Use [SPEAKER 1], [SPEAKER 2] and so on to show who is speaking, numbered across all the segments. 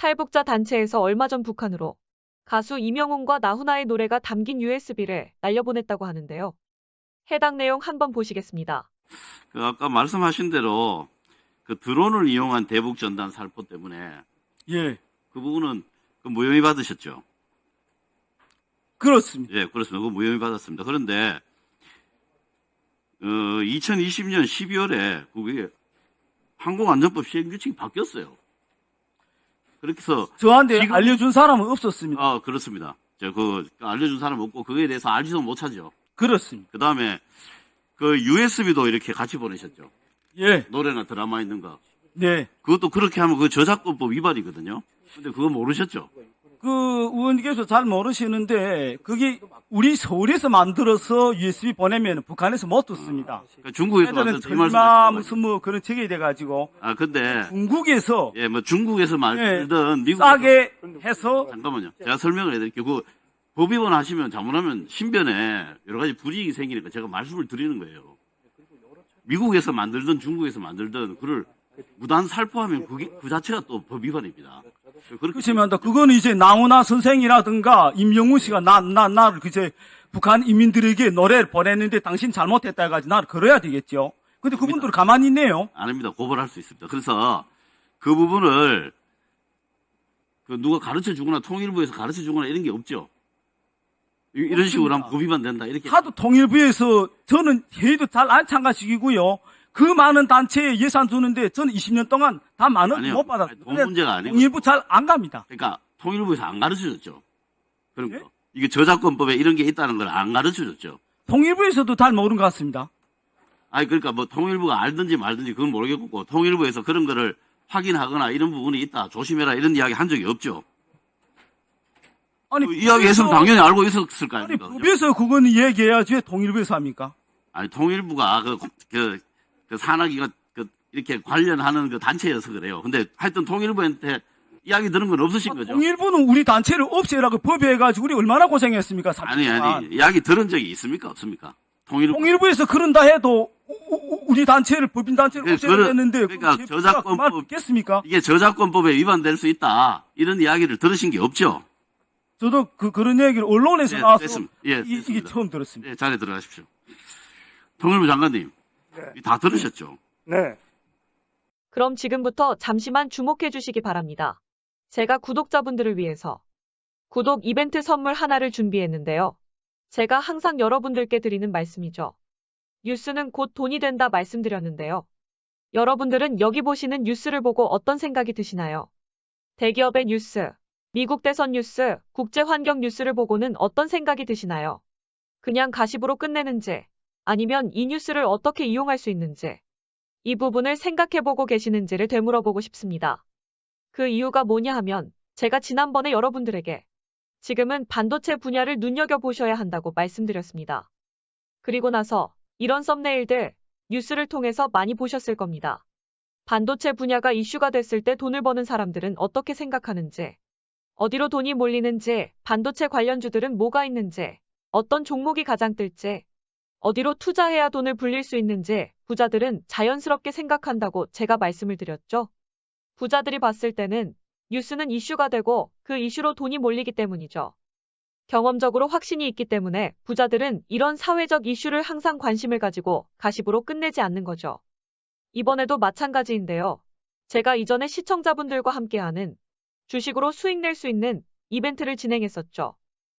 [SPEAKER 1] 탈북자 단체에서 얼마 전 북한으로 가수 이명웅과 나훈아의 노래가 담긴 USB를 날려보냈다고 하는데요. 해당 내용 한번 보시겠습니다.
[SPEAKER 2] 아까 말씀하신 대로 그 드론을 이용한 대북 전단 살포 때문에
[SPEAKER 3] 예,
[SPEAKER 2] 그 부분은 무혐의 받으셨죠?
[SPEAKER 3] 그렇습니다.
[SPEAKER 2] 예, 그렇습니다. 그 무혐의 받았습니다. 그런데 2020년 12월에 그게 항공안전법 시행 규칙이 바뀌었어요. 그렇게 해서
[SPEAKER 3] 저한테
[SPEAKER 2] 지금-
[SPEAKER 3] 알려준 사람은 없었습니다.
[SPEAKER 2] 그렇습니다. 알려준 사람 없고 그거에 대해서 알지도 못하죠.
[SPEAKER 3] 그렇습니다.
[SPEAKER 2] 그 다음에 그 USB도 이렇게 같이 보내셨죠.
[SPEAKER 3] 예,
[SPEAKER 2] 노래나 드라마 있는 거.
[SPEAKER 3] 네.
[SPEAKER 2] 그것도 그렇게 하면 그 저작권법 위반이거든요. 근데 그거 모르셨죠?
[SPEAKER 3] 그 의원님께서 잘 모르시는데 그게 우리 서울에서 만들어서 USB 보내면 북한에서 못 듣습니다.
[SPEAKER 2] 그러니까 중국에서
[SPEAKER 3] 애들은
[SPEAKER 2] 만든 이
[SPEAKER 3] 설마
[SPEAKER 2] 말씀하시는
[SPEAKER 3] 무슨 뭐 그런 책이 돼가지고
[SPEAKER 2] 근데
[SPEAKER 3] 중국에서
[SPEAKER 2] 중국에서 만들든 미국
[SPEAKER 3] 싸게 해서
[SPEAKER 2] 잠깐만요. 제가 설명을 해드릴게요. 그 법 위반하시면 잘못하면 신변에 여러 가지 불이익이 생기니까 제가 말씀을 드리는 거예요. 미국에서 만들든 중국에서 만들든 그를 무단 살포하면 그 자체가 또 법 위반입니다. 그렇게
[SPEAKER 3] 그렇지만 그거는 이제 나훈아 선생이라든가 임영웅 씨가 나를 그제 북한 인민들에게 노래를 보냈는데 당신 잘못했다 해가지고 나를 걸어야 되겠죠. 근데 그분들 가만히 있네요.
[SPEAKER 2] 아닙니다. 고발할 수 있습니다. 그래서 그 부분을 누가 가르쳐 주거나 통일부에서 가르쳐 주거나 이런 게 없죠. 이런 식으로 하면 법 위반된다. 이렇게.
[SPEAKER 3] 하도 통일부에서 저는 회의도 잘 안 참가시키고요. 그 많은 단체에 예산 주는데 저는 20년 동안 다 많은
[SPEAKER 2] 아니요.
[SPEAKER 3] 못 받았어요.
[SPEAKER 2] 돈 문제가 아니고.
[SPEAKER 3] 통일부 잘 안 갑니다.
[SPEAKER 2] 그러니까 통일부에서 안 가르쳐 줬죠. 그런 거.
[SPEAKER 3] 예?
[SPEAKER 2] 이게 저작권법에 이런 게 있다는 걸 안 가르쳐 줬죠.
[SPEAKER 3] 통일부에서도 잘 모르는 것 같습니다.
[SPEAKER 2] 그러니까 뭐 통일부가 알든지 말든지 그건 모르겠고 통일부에서 그런 거를 확인하거나 이런 부분이 있다. 조심해라. 이런 이야기 한 적이 없죠.
[SPEAKER 3] 아니,
[SPEAKER 2] 이야기 했으면 당연히 알고 있었을 거
[SPEAKER 3] 아니,
[SPEAKER 2] 아닙니까? 그죠?
[SPEAKER 3] 법에서 그거는 얘기해야지 왜 통일부에서 합니까?
[SPEAKER 2] 아니, 통일부가 그 산하기가 이렇게 관련하는 그 단체여서 그래요. 근데 하여튼 통일부한테 이야기 들은 건 없으신 거죠?
[SPEAKER 3] 통일부는 우리 단체를 없애라고 법에 해가지고 우리 얼마나 고생했습니까? 3년 동안.
[SPEAKER 2] 아니, 이야기 들은 적이 있습니까? 없습니까?
[SPEAKER 3] 통일부에서 그런다 해도 우리 단체를 법인 단체를
[SPEAKER 2] 네,
[SPEAKER 3] 없애야 되는데
[SPEAKER 2] 그러니까 저작권법
[SPEAKER 3] 듣겠습니까?
[SPEAKER 2] 이게 저작권법에 위반될 수 있다. 이런 이야기를 들으신 게 없죠?
[SPEAKER 3] 저도 그런 얘기를 언론에서
[SPEAKER 2] 네,
[SPEAKER 3] 나와서
[SPEAKER 2] 됐습니다. 예,
[SPEAKER 3] 이게
[SPEAKER 2] 됐습니다.
[SPEAKER 3] 처음 들었습니다.
[SPEAKER 2] 네, 자리에 들어가십시오. 통일부 장관님, 다 들으셨죠?
[SPEAKER 4] 네.
[SPEAKER 1] 그럼 지금부터 잠시만 주목해 주시기 바랍니다. 제가 구독자분들을 위해서 구독 이벤트 선물 하나를 준비했는데요. 제가 항상 여러분들께 드리는 말씀이죠. 뉴스는 곧 돈이 된다 말씀드렸는데요. 여러분들은 여기 보시는 뉴스를 보고 어떤 생각이 드시나요? 대기업의 뉴스, 미국 대선 뉴스, 국제환경 뉴스를 보고는 어떤 생각이 드시나요? 그냥 가십으로 끝내는지, 아니면 이 뉴스를 어떻게 이용할 수 있는지, 이 부분을 생각해보고 계시는지를 되물어보고 싶습니다. 그 이유가 뭐냐 하면 제가 지난번에 여러분들에게 지금은 반도체 분야를 눈여겨보셔야 한다고 말씀드렸습니다. 그리고 나서 이런 썸네일들 뉴스를 통해서 많이 보셨을 겁니다. 반도체 분야가 이슈가 됐을 때 돈을 버는 사람들은 어떻게 생각하는지, 어디로 돈이 몰리는지, 반도체 관련주들은 뭐가 있는지, 어떤 종목이 가장 뜰지, 어디로 투자해야 돈을 불릴 수 있는지 부자들은 자연스럽게 생각한다고 제가 말씀을 드렸죠. 부자들이 봤을 때는 뉴스는 이슈가 되고 그 이슈로 돈이 몰리기 때문이죠. 경험적으로 확신이 있기 때문에 부자들은 이런 사회적 이슈를 항상 관심을 가지고 가십으로 끝내지 않는 거죠. 이번에도 마찬가지인데요. 제가 이전에 시청자분들과 함께하는 주식으로 수익 낼 수 있는 이벤트를 진행했었죠.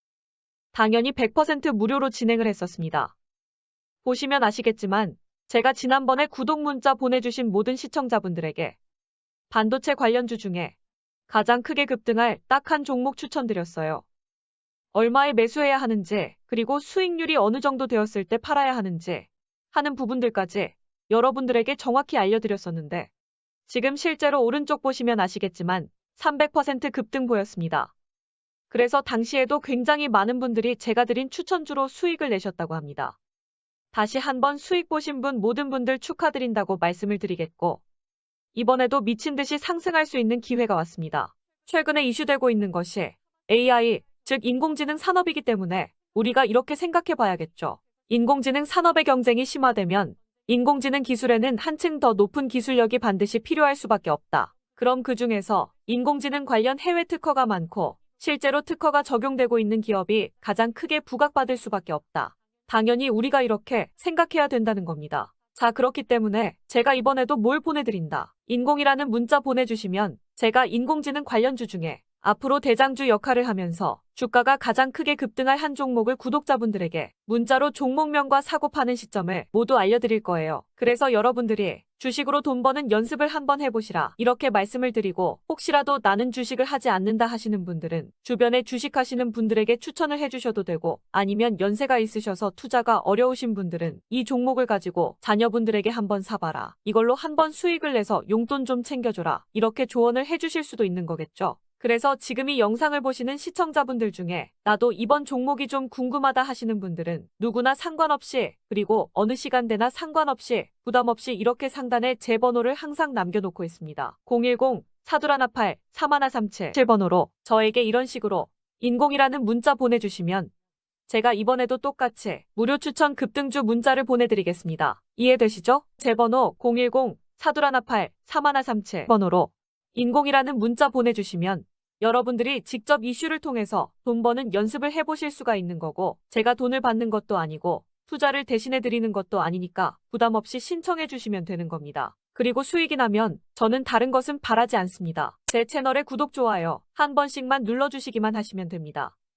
[SPEAKER 1] 당연히 100% 무료로 진행을 했었습니다. 보시면 아시겠지만 제가 지난번에 구독 문자 보내주신 모든 시청자분들에게 반도체 관련주 중에 가장 크게 급등할 딱 한 종목 추천드렸어요. 얼마에 매수해야 하는지, 그리고 수익률이 어느 정도 되었을 때 팔아야 하는지 하는 부분들까지 여러분들에게 정확히 알려드렸었는데 지금 실제로 오른쪽 보시면 아시겠지만 300% 급등 보였습니다. 그래서 당시에도 굉장히 많은 분들이 제가 드린 추천주로 수익을 내셨다고 합니다. 다시 한번 수익 보신 분 모든 분들 축하드린다고 말씀을 드리겠고 이번에도 미친 듯이 상승할 수 있는 기회가 왔습니다. 최근에 이슈되고 있는 것이 AI, 즉 인공지능 산업이기 때문에 우리가 이렇게 생각해 봐야겠죠. 인공지능 산업의 경쟁이 심화되면 인공지능 기술에는 한층 더 높은 기술력이 반드시 필요할 수밖에 없다. 그럼 그 중에서 인공지능 관련 해외 특허가 많고 실제로 특허가 적용되고 있는 기업이 가장 크게 부각받을 수밖에 없다. 당연히 우리가 이렇게 생각해야 된다는 겁니다. 자, 그렇기 때문에 제가 이번에도 뭘 보내드린다. 인공이라는 문자 보내주시면 제가 인공지능 관련주 중에 앞으로 대장주 역할을 하면서 주가가 가장 크게 급등할 한 종목을 구독자분들에게 문자로 종목명과 사고 파는 시점을 모두 알려드릴 거예요. 그래서 여러분들이 주식으로 돈 버는 연습을 한번 해보시라 이렇게 말씀을 드리고, 혹시라도 나는 주식을 하지 않는다 하시는 분들은 주변에 주식하시는 분들에게 추천을 해주셔도 되고, 아니면 연세가 있으셔서 투자가 어려우신 분들은 이 종목을 가지고 자녀분들에게 한번 사봐라, 이걸로 한번 수익을 내서 용돈 좀 챙겨줘라, 이렇게 조언을 해주실 수도 있는 거겠죠. 그래서 지금 이 영상을 보시는 시청자분들 중에 나도 이번 종목이 좀 궁금하다 하시는 분들은 누구나 상관없이, 그리고 어느 시간대나 상관없이 부담 없이 이렇게 상단에 제 번호를 항상 남겨놓고 있습니다. 010-4188-3137 7번호로 저에게 이런 식으로 인공이라는 문자 보내주시면 제가 이번에도 똑같이 무료 추천 급등주 문자를 보내드리겠습니다. 이해되시죠? 제 번호 010-4188-3137 번호로 인공이라는 문자 보내주시면 여러분들이 직접 이슈를 통해서 돈 버는 연습을 해보실 수가 있는 거고, 제가 돈을 받는 것도 아니고 투자를 대신해 드리는 것도 아니니까 부담 없이 신청해 주시면 되는 겁니다. 그리고 수익이 나면 저는 다른 것은 바라지 않습니다. 제 채널에 구독, 좋아요 한 번씩만 눌러주시기만 하시면 됩니다.